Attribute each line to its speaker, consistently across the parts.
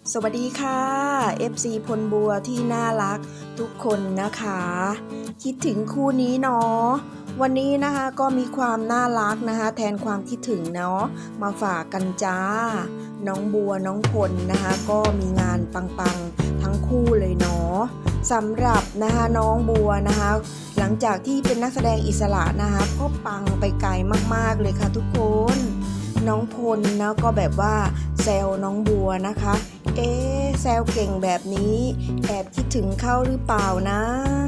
Speaker 1: สวัสดีค่ะ FC พลบัวที่น่ารักทุกคนนะคะคิดถึงคู่นี้เนาะวันนี้นะคะก็มีความน่ารักนะคะแทนความคิดถึงเนาะมาฝากกันจ้าน้องบัวน้องพลนะคะก็มีงานปังๆทั้งคู่เลยเนาะสำหรับนะคะน้องบัวนะคะหลังจากที่เป็นนักแสดงอิสระนะคะก็ปังไปไกลมากๆเลยค่ะทุกคนน้องพลนะก็แบบว่าแซวน้องบัวนะคะแซวเก่งแบบนี้แอบคิดถึงเขาหรือเปล่านะ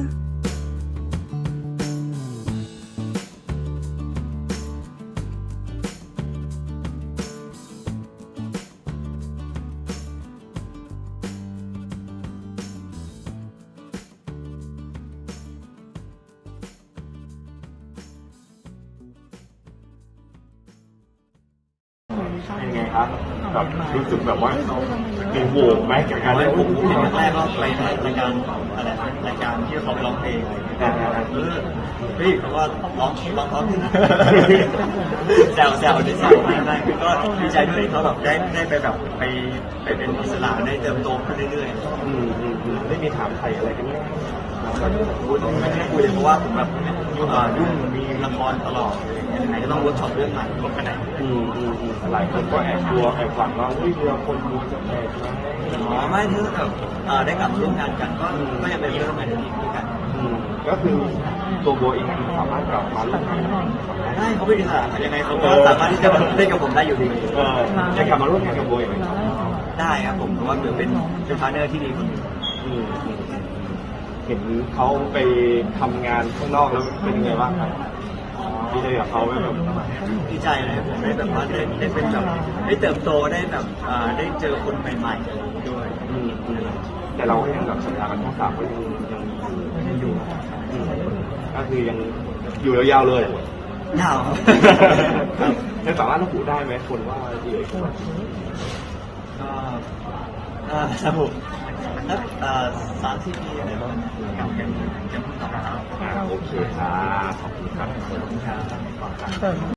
Speaker 2: เป็นไงครับแบบรู้สึกแบบว่ามีโหวงไหมกับการเล่น
Speaker 3: ผมเห็นแรกก็ไปรายการอะไรรายการที่เขาไปร้องเพลงพี่เขาก็ร้องขึ้นนะแซวได้คือก็ดีใจด้วยที่เขาแบบได้ไปแบบไปเป็นอิสระได้เติบโตขึ้นเรื่อยๆ
Speaker 2: ไม่มีถามใครอะไรกันเลย
Speaker 3: ไม่ได้คุยเลยเพราะว่าผมแบบยุ่งมีละครตลอดไหนก็ต้องเวิร์กช็อปเรื่องใหม่ก็ไปไหน
Speaker 2: หลายคนก็แอบกลัวแอบหวังว่าเรือคนดูจะแตกไหม
Speaker 3: ไม่ถ้าแบบได้กลับร่วมงานกันก็ยังเป็นเรื่องใหม่ที่ด้วยกัน
Speaker 2: ก็คือตัวโบเองสามารถกลับมาร่วมงาน
Speaker 3: ได้เขาเป็นอิสระยังไงเขาก็สามารถที่จะเล่นกับผมได้อยู่ดี
Speaker 2: จะกลับมาร่วมงานกับโบอีกไหม
Speaker 3: ได้ครับผมเพราะว่าเดี๋ยวเป็นพาร์ทเนอร์ที่ดีคนนึง
Speaker 2: เห็นเขาไปทำงานข้างนอกแล้วเป็นยังไงบ้างครับดีใจกับเขาไหมแบบ
Speaker 3: ดีใจเลยผมได้แบบว่าได้เป็นแบบได้เติบโตได้แบบได้เจอคนใหม่ๆด้วย
Speaker 2: แต่เราก็ยังแบบสัญญากันทั้งสามก็ยังอยู่ก็คือยังอยู่ยาวๆเลย
Speaker 3: ยาว
Speaker 2: จะสามารถระบุได้ไหมคนว่าดีเลย
Speaker 3: ครับผมแล้ว30 ปีอะไรบ้างยังพูดต่อโอเค
Speaker 2: ครับขอบคุณครับ